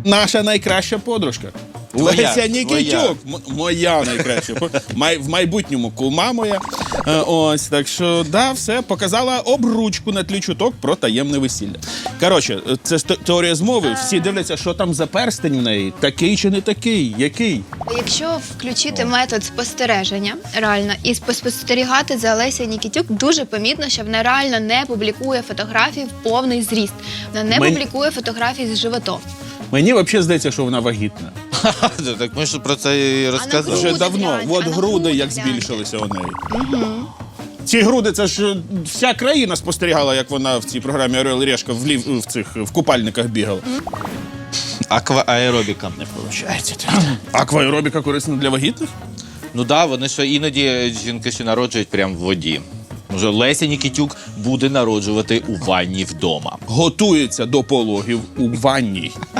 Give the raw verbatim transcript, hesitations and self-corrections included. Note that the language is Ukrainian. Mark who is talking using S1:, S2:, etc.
S1: наша найкраща подружка.
S2: Твоя,
S1: Леся Нікітюк. М- Моя найкраща. Май- В майбутньому кума моя. Е, Ось, так що, да, все, показала обручку на тлі чуток про таємне весілля. Коротше, це ст- теорія змови. Всі дивляться, що там за перстень в неї. Такий чи не такий? Який?
S3: Якщо включити метод спостереження реально і спостерігати за Лесею Нікітюк, дуже помітно, що вона реально не публікує фотографії в повний зріст. Вона не
S1: Мен-
S3: публікує фотографії з животом.
S1: Мені взагалі здається, що вона вагітна.
S2: Так ми ж про це і розказували.
S1: Вже
S3: Груди
S1: давно.
S3: глянь,
S1: От
S3: а на
S1: груди
S3: груди
S1: як
S3: глянь.
S1: збільшилися у неї. Ці груди, це ж е, вся країна спостерігала, як вона в цій програмі «Орел і Решка» в, лів, в цих в купальниках бігала.
S2: Аквааеробіка.
S1: Не виходить. Акваеробіка корисна для вагітних?
S2: Ну так, да, вони що іноді жінки ще народжують прямо в воді. Може, Леся Нікітюк буде народжувати у ванні вдома.
S1: Готується до пологів у ванній.